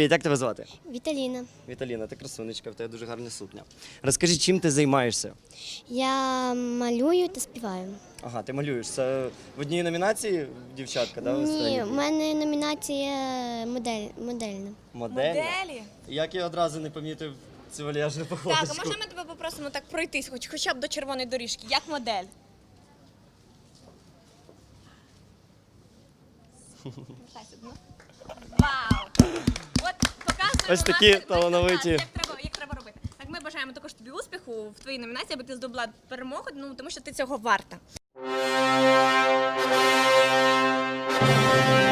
Привіт, як тебе звати? Віталіна. Віталіна, ти красунечка, в тебе дуже гарна сукня. Розкажи, чим ти займаєшся? Я малюю та співаю. Ага, ти малюєш. Це в одній номінації дівчатка, да? Ні, в мене номінація модельна. Модельна? Моделі? Як я одразу не помітив цю вальяжну походочку. Так, а можна ми тебе попросимо так пройтись, хоча б до червоної доріжки, як модель? Вертайся, ну. Вау! От показуємо, Ось такі власне, талановиті. як треба робити. Так, ми бажаємо також тобі успіху в твоїй номінації, аби ти здобула перемогу, тому що ти цього варта.